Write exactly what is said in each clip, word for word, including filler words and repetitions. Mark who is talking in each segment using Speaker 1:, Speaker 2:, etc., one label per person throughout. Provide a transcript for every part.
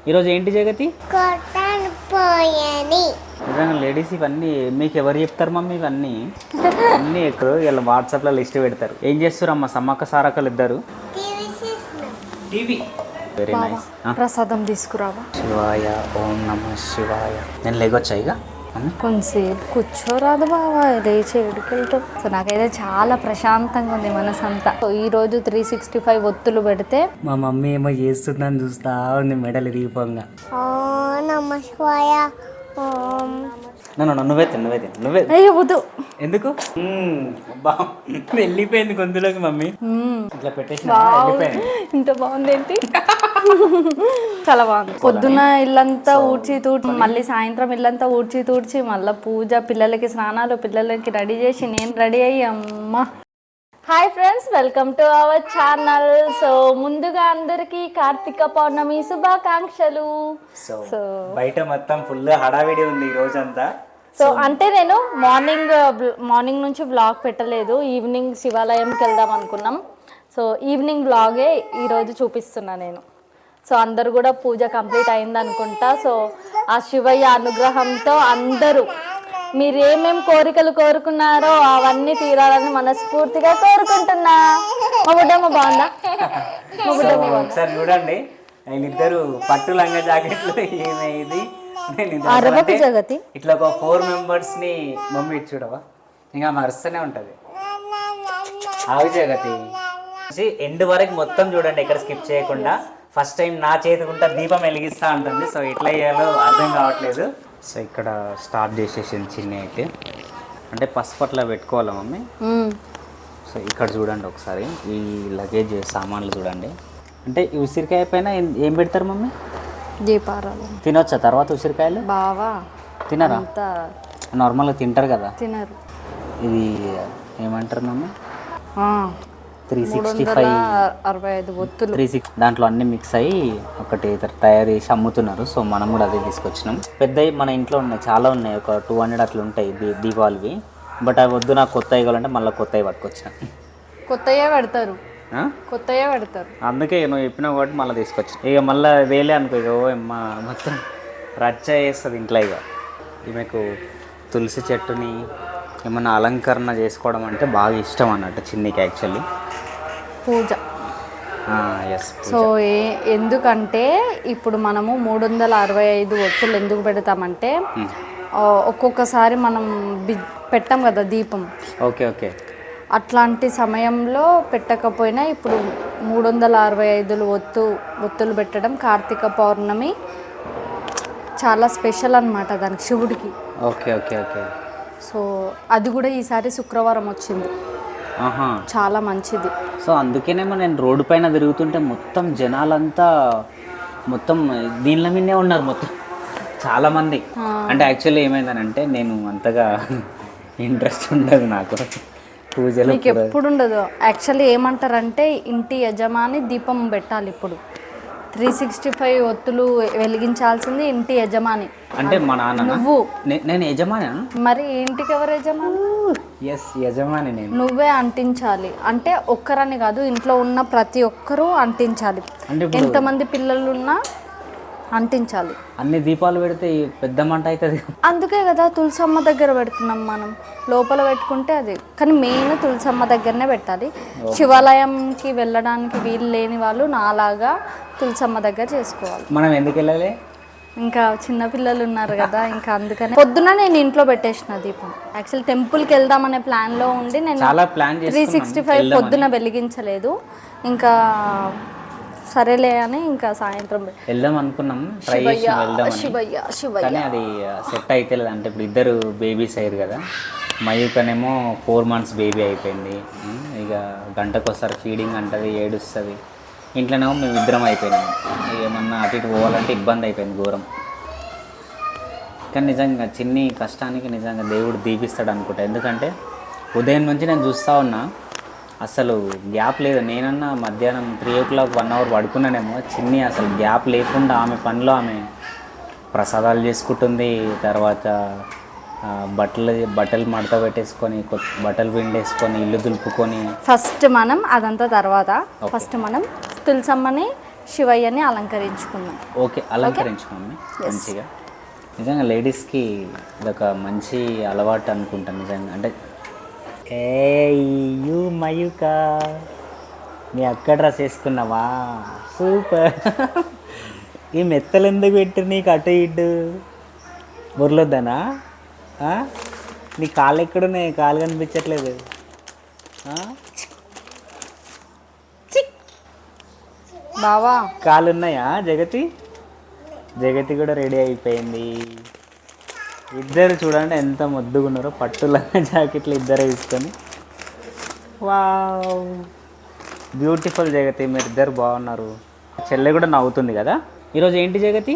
Speaker 1: ఈరోజు ఏంటి జగతి? నిజంగా లేడీస్ ఇవన్నీ మీకు ఎవరు చెప్తారు మమ్మీ? ఇవన్నీ అన్నీ ఎక్కడో వీళ్ళ వాట్సాప్లో లిస్ట్ పెడతారు. ఏం చేస్తారు అమ్మ సమ్మక్క సారక్కలు ఇద్దరు? టీవీ. Very nice.
Speaker 2: ప్రసాదం తీసుకురావా?
Speaker 1: శివాయ ఓం నమ శివాయ. నేను లేకొచ్చా ఇక
Speaker 2: కొంచెంసేపు కూర్చోరాదు బావా, లేచి ఎడుకెళ్తాం. సో నాకైతే చాలా ప్రశాంతంగా ఉంది మనసంతా. ఈ రోజు త్రీ సిక్స్టీ ఫైవ్ ఒత్తులు పెడితే
Speaker 1: మా మమ్మీ ఏమో చేస్తుందని చూస్తా ఉంది మెడలు ఇరిగిపోగా. నన్ను నువ్వే తిను నువ్వే తిను నువ్వే.
Speaker 2: అయ్యో వద్దు.
Speaker 1: ఎందుకు? వెళ్ళిపోయింది గొంతులోకి మమ్మీ. ఇట్లా పెట్టేసి వెళ్ళిపోయింది.
Speaker 2: ఇంత బాగుంది ఏంటి? చాలా బాగుంది. పొద్దున ఇల్లంతా ఊడ్చి తూడ్చి మళ్ళీ సాయంత్రం ఇల్లంతా ఊడ్చి తూడ్చి మళ్ళీ పూజ, పిల్లలకి స్నానాలు, పిల్లలకి రెడీ చేసి నేను రెడీ అయ్యి అమ్మ. Hi friends, welcome to our channel. So ముందుగా అందరికి కార్తీక పౌర్ణమి శుభాకాంక్షలు.
Speaker 1: సో బయట మొత్తం ఫుల్ హడావిడి ఉంది ఈ రోజంతా.
Speaker 2: సో అంటే నేను మార్నింగ్ మార్నింగ్ నుంచి వ్లాగ్ పెట్టలేదు, ఈవినింగ్ శివాలయంకి వెళ్దాం అనుకున్నాం. సో ఈవినింగ్ వ్లాగే ఈరోజు చూపిస్తున్నా నేను. సో అందరు కూడా పూజ కంప్లీట్ అయింది అనుకుంటా. సో ఆ శివయ్య అనుగ్రహంతో అందరూ మీరు ఏమేమి కోరికలు కోరుకున్నారో అవన్నీ తీరాలని మనస్ఫూర్తిగా కోరుకుంటున్నా. మా బుడ్డమ్మ బాగుందా? మా బుడ్డమ్మ
Speaker 1: ఒకసారి చూడండి, వీళ్ళిద్దరు పట్టు లంగా జాకెట్లు ఏమైంది
Speaker 2: జగతి
Speaker 1: ఇట్లా ఒక ఫోర్ మెంబర్స్ ని మమ్మీ ఇటు చూడవా, ఇంకా మరుస్తూనే ఉంటది. ఆవి జగతి ఎండ్ వరకు మొత్తం చూడండి, ఎక్కడ స్కిప్ చేయకుండా. ఫస్ట్ టైం నా చేతికుంటా దీపం వెలిగిస్తా ఉంటుంది. సో ఎట్లా చేయాలో అర్థం కావట్లేదు. సో ఇక్కడ స్టార్ట్ చేసేసింది చిన్న అయితే, అంటే పసుపు అట్లా పెట్టుకోవాలా మమ్మీ. సో ఇక్కడ చూడండి ఒకసారి ఈ లగేజ్ సామాన్లు చూడండి. అంటే ఈ ఉసిరికాయ పైన ఏం పెడతారు మమ్మీ?
Speaker 2: దీపారాలు.
Speaker 1: తినొచ్చా తర్వాత ఉసిరికాయలు?
Speaker 2: బావా
Speaker 1: తినరా? నార్మల్గా తింటారు కదా.
Speaker 2: తినరు.
Speaker 1: ఇది ఏమంటారు మమ్మీ? త్రీ
Speaker 2: మూడు
Speaker 1: సిక్స్టీ
Speaker 2: వందల
Speaker 1: ఫైవ్
Speaker 2: అరవై ఐదు ఒత్తులు
Speaker 1: త్రీ సిక్స్ దాంట్లో అన్ని మిక్స్ అయ్యి ఒకటి తయారు చేసి అమ్ముతున్నారు. సో మనం కూడా అదే తీసుకొచ్చినాం. పెద్దవి మన ఇంట్లో ఉన్నాయి, చాలా ఉన్నాయి, ఒక టూ హండ్రెడ్ అట్లా ఉంటాయి దీ దీపావళివి. బట్ అవి వద్దు, నాకు కొత్తవి కావాలంటే మళ్ళీ కొత్తవి పట్టుకొచ్చిన.
Speaker 2: కొత్తయే పెడతారు, కొత్తయే పెడతారు.
Speaker 1: అందుకే నువ్వు చెప్పినావు కాబట్టి మళ్ళీ తీసుకొచ్చిన. ఇక మళ్ళీ వేలే అనుకో, ఇక ఓ అమ్మ మొత్తం రచ్చ చేస్తుంది ఇంట్లో. ఇక ఈమెకు తులసి చెట్టుని ఏమన్నా అలంకరణ చేసుకోవడం అంటే బాగా ఇష్టం అన్నట్టు చిన్నికి యాక్చువల్లీ.
Speaker 2: పూజ.
Speaker 1: ఎస్.
Speaker 2: సో ఏ ఎందుకంటే ఇప్పుడు మనము మూడు వందల అరవై ఐదు ఒత్తులు ఎందుకు పెడతామంటే ఒక్కొక్కసారి మనం బి పెట్టాం కదా దీపం.
Speaker 1: Okay okay.
Speaker 2: అట్లాంటి సమయంలో పెట్టకపోయినా ఇప్పుడు మూడు వందల అరవై ఐదులు ఒత్తు ఒత్తులు పెట్టడం కార్తీక పౌర్ణమి చాలా స్పెషల్ అన్నమాట దానికి, శివుడికి.
Speaker 1: Okay okay okay.
Speaker 2: సో అది కూడా ఈసారి శుక్రవారం వచ్చింది, చాలా మంచిది.
Speaker 1: సో అందుకేనేమో నేను రోడ్డు పైన తిరుగుతుంటే మొత్తం జనాలంతా మొత్తం దీనిల మీదే ఉన్నారు మొత్తం, చాలామంది. అంటే యాక్చువల్లీ ఏమైందనంటే నేను అంతగా ఇంట్రెస్ట్ ఉండదు నాకు పూజలు,
Speaker 2: మీకు ఎప్పుడు ఉండదు. యాక్చువల్లీ ఏమంటారంటే ఇంటి యజమాని దీపం పెట్టాలి. ఇప్పుడు త్రీ సిక్స్టీ ఫైవ్ ఒత్తులు వెలిగించాల్సింది ఇంటి యజమాని.
Speaker 1: అంటే మా నాన్న.
Speaker 2: నువ్వు?
Speaker 1: నేను యజమాని. మరి
Speaker 2: ఇంటికి ఎవరు యజమాని?
Speaker 1: ఎస్ యజమాని నేను.
Speaker 2: నువ్వే అంటించాలి. అంటే ఒక్కరని కాదు, ఇంట్లో ఉన్న ప్రతి ఒక్కరూ అంటించాలి. ఎంతమంది పిల్లలు ఉన్నా అంటించాలి.
Speaker 1: అన్ని దీపాలు పెడితే పెద్ద మంట అవుతుంది.
Speaker 2: అందుకే కదా తులసమ్మ దగ్గర పెడుతున్నాం మనం. లోపల పెట్టుకుంటే అది, కానీ మెయిన్ తులసమ్మ దగ్గరనే పెట్టాలి. శివాలయంకి వెళ్ళడానికి వీలు లేని వాళ్ళు నాలాగా తులసమ్మ దగ్గర చేసుకోవాలి.
Speaker 1: మనం ఎందుకు వెళ్ళాలి?
Speaker 2: ఇంకా చిన్న పిల్లలు ఉన్నారు కదా, ఇంకా అందుకనే పొద్దున నేను ఇంట్లో పెట్టేసిన దీపం. యాక్చువల్ టెంపుల్కి వెళ్దామనే ప్లాన్లో ఉండి నేను
Speaker 1: చాలా ప్లాన్
Speaker 2: త్రీ సిక్స్టీ ఫైవ్ పొద్దున వెలిగించలేదు. ఇంకా సరేలే అని ఇంకా సాయంత్రం
Speaker 1: వెళ్దాం అనుకున్నాం, ట్రై చేసి వెళ్దాం.
Speaker 2: శివయ్య శివయ్య
Speaker 1: కానీ అది సెట్ అయితే లేదు. అంటే ఇప్పుడు ఇద్దరు బేబీస్ అయ్యారు కదా. మయూకనేమో ఫోర్ మంత్స్ బేబీ అయిపోయింది. ఇక గంటకోసారి ఫీడింగ్ అంటది, ఏడుస్తుంది. ఇంట్లోనేమో మేము ఇద్దరం అయిపోయినాము. ఏమన్నా అటు ఇటు పోవాలంటే ఇబ్బంది అయిపోయింది ఘోరం. కానీ నిజంగా చిన్ని కష్టానికి నిజంగా దేవుడు దీపిస్తాడు అనుకుంటా. ఎందుకంటే ఉదయం నుంచి నేను చూస్తూ ఉన్నా, అసలు గ్యాప్ లేదు. నేనన్నా మధ్యాహ్నం three o'clock one hour పడుకున్నానేమో, చిన్ని అసలు గ్యాప్ లేకుండా ఆమె పనిలో ఆమె ప్రసాదాలు చేసుకుంటుంది. తర్వాత బట్టలు బట్టలు మడత పెట్టేసుకొని బట్టలు పిండేసుకొని ఇల్లు దులుపుకొని
Speaker 2: ఫస్ట్ మనం అదంతా తర్వాత ఫస్ట్ మనం తులసమ్మని శివయ్యని అలంకరించుకున్నాం.
Speaker 1: ఓకే, అలంకరించు మమ్మీ మంచిగా. నిజంగా లేడీస్కి ఇదొక మంచి అలవాటు అనుకుంటాను నిజంగా. అంటే ఏ యూ మయూక, నీ అక్క డ్రెస్ వేసుకున్నావా? సూపర్. ఈ మెత్తలు ఎందుకు పెట్టి నీకు అటు ఇటు బుర్రలొద్దనా? నీ కాళ్ళు ఎక్కడున్నాయి? కాళ్ళు కనిపించట్లేదు.
Speaker 2: బావా
Speaker 1: కాళ్ళు ఉన్నాయా? జగతి జగతి కూడా రెడీ అయిపోయింది. ఇద్దరు చూడండి ఎంత ముద్దుగా ఉన్నారో, పట్టులంగా జాకెట్లు ఇద్దరు వేసుకొని. వావ్, బ్యూటిఫుల్ జగతి, మీరు ఇద్దరు బాగున్నారు. చెల్లె కూడా నవ్వుతుంది కదా. ఈరోజు ఏంటి జగతి?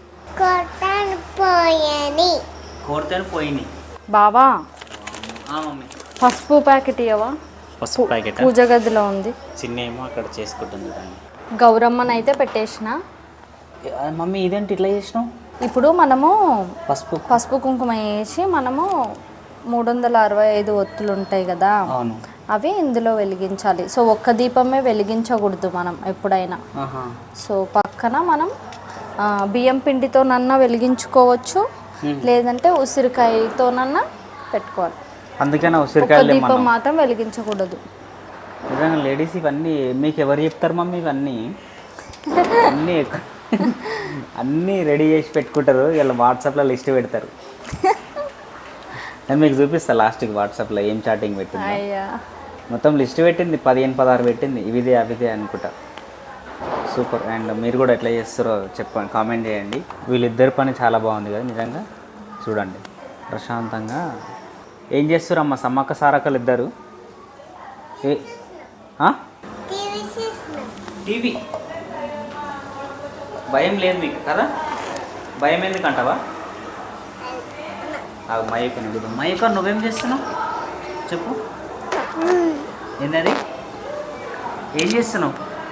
Speaker 1: కోర్తను పోయినాయి.
Speaker 2: బావా
Speaker 1: మమ్మీ
Speaker 2: పసుపు ప్యాకెట్ ఇవ్వవా?
Speaker 1: పసుపు ప్యాకెట్
Speaker 2: పూజ గదిలో ఉంది.
Speaker 1: చిన్న ఏమో అక్కడ చేసుకుంటుంది కానీ.
Speaker 2: గౌరమ్మని అయితే పెట్టేసిన.
Speaker 1: మమ్మీ ఇదేంటి ఇట్లా చేసినావు?
Speaker 2: ఇప్పుడు మనము
Speaker 1: పసుపు
Speaker 2: పసుపు కుంకుమ వేసి మనము మూడు వందల అరవై ఐదు ఒత్తులు ఉంటాయి కదా,
Speaker 1: అవును,
Speaker 2: అవి ఇందులో వెలిగించాలి. సో ఒక్క దీపమే వెలిగించకూడదు మనం ఎప్పుడైనా. సో పక్కన మనం ఆ, బియ్యం పిండితోనన్నా వెలిగించుకోవచ్చు, లేదంటే ఉసిరికాయతోనన్నా పెట్టుకోవాలి.
Speaker 1: అందుకనే
Speaker 2: ఒక్క
Speaker 1: ఉసిరికాయలు
Speaker 2: దీపం మాత్రం వెలిగించకూడదు.
Speaker 1: నిజంగా లేడీస్ ఇవన్నీ మీకు ఎవరు చెప్తారు మమ్మీ? ఇవన్నీ అన్నీ ఎక్కు- అన్నీ రెడీ చేసి పెట్టుకుంటారు. ఇలా వాట్సాప్లో లిస్ట్ పెడతారు. నేను మీకు చూపిస్తాను లాస్ట్కి వాట్సాప్లో ఏం చాటింగ్ పెట్టింది.
Speaker 2: అయ్యా
Speaker 1: మొత్తం లిస్ట్ పెట్టింది, పదిహేను పదహారు పెట్టింది. ఇవిదే అవిదే అనుకుంటా. సూపర్. అండ్ మీరు కూడా ఎట్లా చేస్తారో చెప్పండి, కామెంట్ చేయండి. వీళ్ళిద్దరి పని చాలా బాగుంది కదా నిజంగా. చూడండి ప్రశాంతంగా ఏం చేస్తారు అమ్మ సమ్మక్క సారక్కలు ఇద్దరు. ఏ టీవీ భయం లేదు మీకు కదా? భయం ఎందుకంటావా? మయూక నువ్వు మయూక నువ్వేం చేస్తున్నావు చెప్పు. ఏంటది? ఏం చేస్తున్నావు?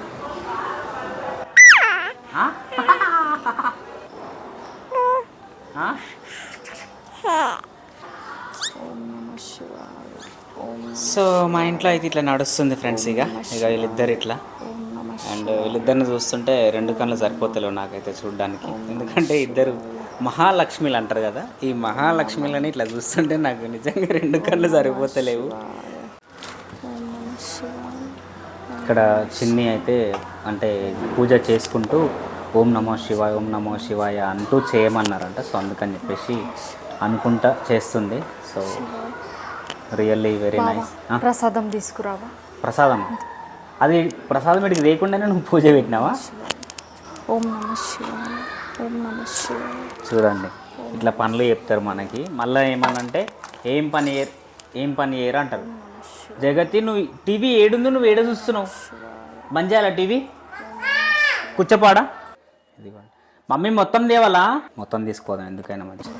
Speaker 1: సో మా ఇంట్లో అయితే ఇట్లా నడుస్తుంది ఫ్రెండ్స్. ఇక ఇక వీళ్ళిద్దరు ఇట్లా. అండ్ వీళ్ళిద్దరిని చూస్తుంటే రెండు కళ్ళు సరిపోతలేవు నాకైతే చూడడానికి. ఎందుకంటే ఇద్దరు మహాలక్ష్మిలు అంటారు కదా, ఈ మహాలక్ష్మిలని ఇట్లా చూస్తుంటే నాకు నిజంగా రెండు కళ్ళు సరిపోతలేవు. ఇక్కడ చిన్ని అయితే అంటే పూజ చేసుకుంటూ ఓం నమో శివాయ ఓం నమో శివాయ అంటూ చేయమన్నారంట. సో అందుకని చెప్పేసి అనుకుంటా చేస్తుంది. So really very nice.
Speaker 2: ప్రసాదం తీసుకురావా?
Speaker 1: ప్రసాదం అది ప్రసాదం వీడికి లేకుండానే నువ్వు పూజ పెట్టినావా?
Speaker 2: ఓం నమ శివాయ ఓం నమ శివాయ. చూడండి
Speaker 1: ఇట్లా పనులు చెప్తారు మనకి. మళ్ళీ ఏమనంటే ఏం పని ఏ ఏం పని చేయరు అంటారు. జగతి నువ్వు టీవీ ఏడుంది, నువ్వు ఏడ చూస్తున్నావు? బంద్ చేయాలా టీవీ? కూర్చోపాడా? ఇదిగోండి మమ్మీ మొత్తం తేవాలా? మొత్తం తీసుకోదాం ఎందుకైనా మంచి.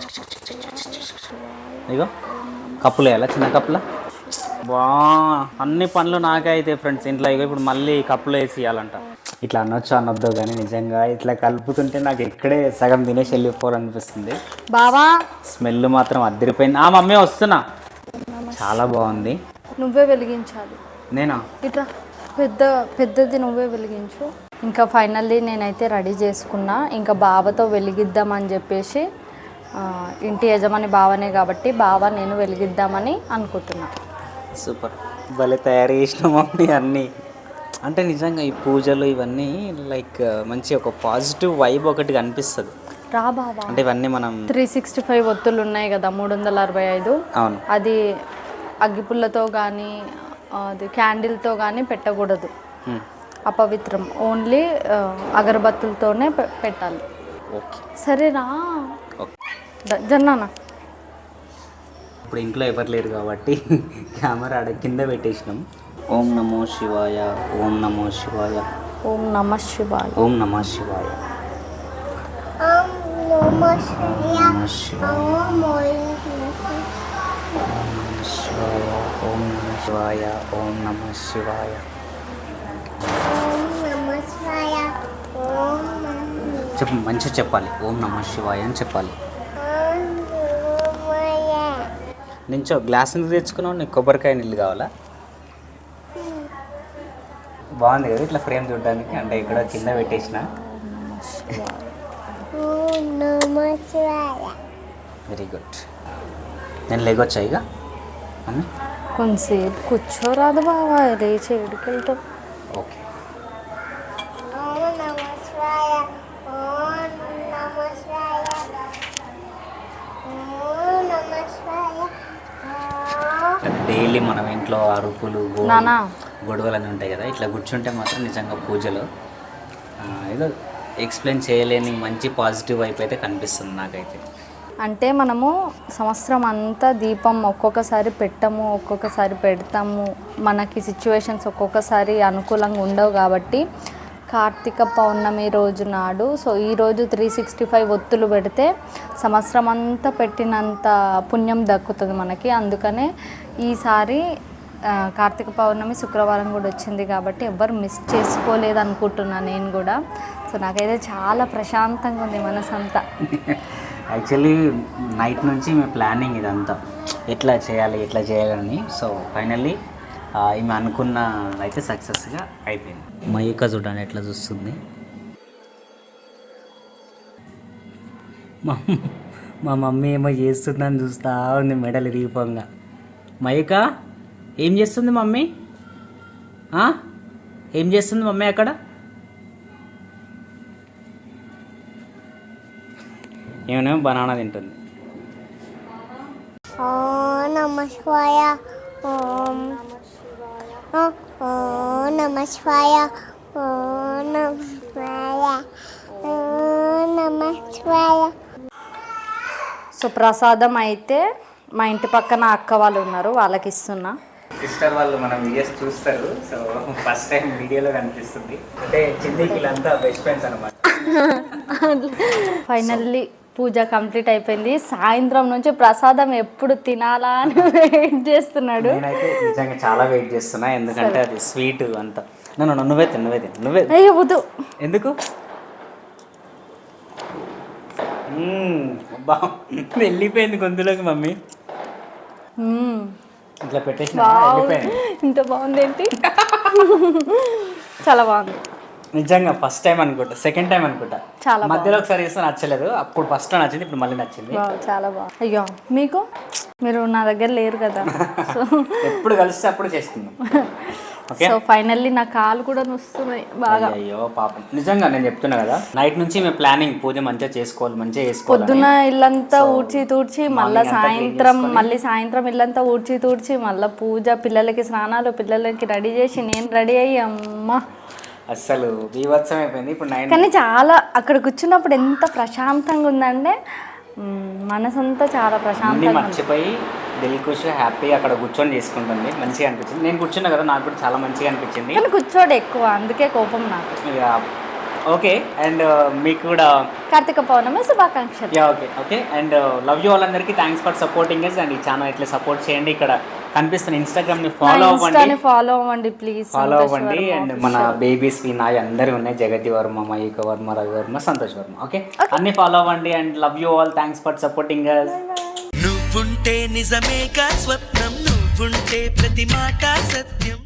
Speaker 1: ఇగో కప్పులు వేయాలా? చిన్న కప్పుల. బా అన్ని పనులు నాకే అయితే ఫ్రెండ్స్ ఇంట్లో. ఇక ఇప్పుడు మళ్ళీ కప్పులు వేసి ఇవ్వాలంట. ఇట్లా అనొచ్చు అనొద్దు కానీ నిజంగా ఇట్లా కలుపుతుంటే నాకు ఇక్కడే సగం తినేసి వెళ్ళిపోవాలనిపిస్తుంది.
Speaker 2: బావా
Speaker 1: స్మెల్ మాత్రం అద్దరిపోయింది. ఆ మమ్మీ వస్తున్నా. చాలా బాగుంది.
Speaker 2: నువ్వే వెలిగించాలి.
Speaker 1: నేనా?
Speaker 2: ఇట్లా పెద్ద పెద్దది నువ్వే వెలిగించు. ఇంకా ఫైనల్లీ నేనైతే రెడీ చేసుకున్నా. ఇంకా బావతో వెలిగిద్దామని చెప్పేసి, ఇంటి యజమాని బావనే కాబట్టి బావ నేను వెలిగిద్దామని అనుకుంటున్నా.
Speaker 1: సూపర్, భలే తయారు చేసిన మమ్మీ అన్నీ. అంటే నిజంగా ఈ పూజలు ఇవన్నీ లైక్ మంచి ఒక పాజిటివ్ వైబ్ ఒకటి కనిపిస్తుంది.
Speaker 2: రా బావా.
Speaker 1: అంటే ఇవన్నీ మనం
Speaker 2: త్రీ సిక్స్టీ ఫైవ్ ఒత్తులు ఉన్నాయి కదా, మూడు వందల అరవై ఐదు.
Speaker 1: అవును.
Speaker 2: అది అగ్గిపుల్లతో కానీ అది క్యాండిల్తో కానీ పెట్టకూడదు, అపవిత్రం. ఓన్లీ అగరబత్తులతోనే పెట్టాలి.
Speaker 1: ఓకే
Speaker 2: సరేనా?
Speaker 1: ఓకే
Speaker 2: జన్నానా.
Speaker 1: ఇప్పుడు ఇంట్లో ఎవరు లేరు కాబట్టి కెమెరా ఆడ కింద పెట్టేసినాం. ఓం నమో శివాయ ఓం నమో శివాయ
Speaker 2: ఓం నమ శివాయ
Speaker 1: ఓం నమ శివాయ
Speaker 3: ఓం నమ శివాయ
Speaker 1: నమ శివాయ ఓం నమ శివాయ ఓం నమ శివాయ
Speaker 3: ఓం నమ శివాయ ఓం నమ
Speaker 1: చెప్పు, మంచిగా చెప్పాలి. ఓం నమ శివాయ అని చెప్పాలి. నించో. గ్లాస్ ఎందుకు తెచ్చుకున్నావు? నీకు కొబ్బరికాయ నీళ్ళు కావాలా? బాగుంది కదా ఇట్లా ఫ్రేమ్ చూడడానికి, అంటే ఇక్కడ కింద పెట్టేసిన.
Speaker 3: ఓం నమః శివాయ.
Speaker 1: Very good. నేను లేకొచ్చా ఇక మమ్మీ?
Speaker 2: కొంతసేపు కూర్చోరాదు బావా, లేచి ఎడుకెళ్తాం.
Speaker 1: ఓకే.
Speaker 3: ఓం నమః శివాయ. ఓం నమః శివాయ. ఓం నమః శివాయ. ఓం
Speaker 1: డైలీ మనం ఇంట్లో అరుపులు గో-
Speaker 2: నానా.
Speaker 1: గొడవలు అన్నీ ఉంటాయి కదా, ఇట్లా కూర్చుంటే మాత్రం నిజంగా పూజలో ఆ, ఏదో ఎక్స్ప్లెయిన్ చేయలేని మంచి పాజిటివ్ వైపు అయితే కనిపిస్తుంది నాకైతే.
Speaker 2: అంటే మనము సంవత్సరం అంతా దీపం ఒక్కొక్కసారి పెట్టము, ఒక్కొక్కసారి పెడతాము, మనకి సిచ్యువేషన్స్ ఒక్కొక్కసారి అనుకూలంగా ఉండవు కాబట్టి కార్తీక పౌర్ణమి రోజు నాడు, సో ఈరోజు త్రీ సిక్స్టీ ఫైవ్ ఒత్తులు పెడితే సంవత్సరం అంతా పెట్టినంత పుణ్యం దక్కుతుంది మనకి. అందుకనే ఈసారి ఆ, కార్తీక పౌర్ణమి శుక్రవారం కూడా వచ్చింది కాబట్టి ఎవ్వరు మిస్ చేసుకోలేదు అనుకుంటున్నాను నేను కూడా. సో నాకైతే చాలా ప్రశాంతంగా ఉంది మనసంతా.
Speaker 1: యాక్చువల్లీ నైట్ నుంచి మీ ప్లానింగ్ ఇదంతా ఎట్లా చేయాలి ఎట్లా చేయాలని. సో ఫైనల్లీ ఈమె అనుకున్న అయితే సక్సెస్గా అయిపోయింది. మయూక చూడండి ఎట్లా చూస్తుంది. మా మా మమ్మీ ఏమో చేస్తుందని చూస్తా ఉంది మెడలు ఇరిగిపోగా. మయూక ఏం చేస్తుంది మమ్మీ? ఆ? ఏం చేస్తుంది మమ్మీ అక్కడ? ఏమేమో బనానా తింటుంది.
Speaker 3: ఓం నమః శివాయ. ఓం ఓం నమః శివాయ. ఓం నమః శివాయ. ఓం నమః శివాయ.
Speaker 2: సో ప్రసాదం అయితే మా ఇంటి పక్కన అక్క వాళ్ళు ఉన్నారు, వాళ్ళకి ఇస్తున్నా.
Speaker 1: సిస్టర్ వాళ్ళు మన వీడియోస్ చూస్తారు, సో ఫస్ట్ టైం వీడియోలో కనిపిస్తుంది. అంటే చిన్నకి వీళ్ళంతా బెస్ట్ ఫ్రెండ్స్ అనమాట.
Speaker 2: ఫైనల్లీ పూజ కంప్లీట్ అయిపోయింది. సాయంత్రం నుంచి ప్రసాదం ఎప్పుడు తినాలా అని వెయిట్ చేస్తున్నాడు.
Speaker 1: నేనైతే నిజంగా చాలా వెయిట్ చేస్తున్నా, ఎందుకంటే అది స్వీట్ అంతా. నన్ను నువ్వే తిను నువ్వే తిను నువ్వే
Speaker 2: అయ్యో వద్దు.
Speaker 1: ఎందుకు? మ్మ్, అబ్బా వెళ్ళిపోయింది గొంతులోకి మమ్మీ.
Speaker 2: మ్మ్.
Speaker 1: ఇట్లా పెట్టేసిన
Speaker 2: వావ్.
Speaker 1: వెళ్ళిపోయింది.
Speaker 2: ఇంత బాగుంది ఏంటి? చాలా బాగుంది
Speaker 1: నిజంగా ఫస్ట్ టైం అనుకుంటా, సెకండ్ టైం అనుకుంటా.
Speaker 2: చాలా
Speaker 1: మధ్యలో ఒకసారి చేస్తే నచ్చలేదు, అప్పుడు ఫస్ట్ నచ్చింది, ఇప్పుడు మళ్ళీ నచ్చింది.
Speaker 2: వావ్, చాలా బాగుంది. అయ్యో మీకు మీరు నా దగ్గర లేరు కదా, సో
Speaker 1: ఎప్పుడు కలిస్తే అప్పుడు చేసుకుందాం. ఓకే.
Speaker 2: సో ఫైనల్లీ నా కాలు కూడా నొస్తున్నాయి బాగా.
Speaker 1: అయ్యో పాపం, నిజంగా నేను చెప్తున్నా కదా, నైట్ నుంచి మేము ప్లానింగ్ పూజ మంచిగా చేసుకోవాలి మంచిగా చేసుకోవాలి.
Speaker 2: పొద్దున ఇల్లంతా ఊడ్చి తూడ్చి మళ్ళీ సాయంత్రం మళ్ళీ సాయంత్రం ఇల్లంతా ఊడ్చి తూడ్చి మళ్ళీ పూజ, పిల్లలకి స్నానాలు, పిల్లలకి రెడీ చేసి నేను రెడీ అయ్యి అమ్మ
Speaker 1: అస్సలు బీభత్సం అయిపోయింది. ఇప్పుడు నైన్
Speaker 2: కానీ చాలా అక్కడ కూర్చున్నప్పుడు ఎంత ప్రశాంతంగా ఉందంటే మ్, మనసంతా చాలా
Speaker 1: అన్ని
Speaker 2: ప్రశాంతంగా ఉంది.
Speaker 1: మర్చిపోయి దిల్ ఖుషి హ్యాపీ అక్కడ కూర్చొని చేసుకుంటుంది, మంచిగా అనిపించింది. నేను కూర్చున్నా కదా, నాకు కూడా చాలా మంచిగా అనిపించింది.
Speaker 2: కానీ కూర్చోడు ఎక్కువ, అందుకే కోపం నాకు.
Speaker 1: ఇక ఓకే. అండ్ మీకు కూడా
Speaker 2: కార్తీక పౌర్ణమి శుభాకాంక్షలు.
Speaker 1: Yeah okay okay and love you all, అందరికీ thanks for supporting us. And ఈ ఛానల్ ఇట్లా సపోర్ట్ చేయండి. ఇక్కడ కనిపిస్తున్న ఇన్స్టాగ్రామ్ని ఫాలో అవ్వండి,
Speaker 2: ఫాలో అవ్వండి ప్లీజ్.
Speaker 1: ఫాలో అవ్వండి. అండ్ మన బేబీస్ నాయి అందరి ఉన్నాయి, జగతి వర్మ, మయూక వర్మ, రవి వర్మ, సంతోష్ వర్మ. ఓకే, అన్ని ఫాలో అవ్వండి. And love you all, thanks for supporting us.
Speaker 4: నువ్వుంటే నిజమేగా స్వప్నం, నువ్వుంటే ప్రతి మాట సత్యం.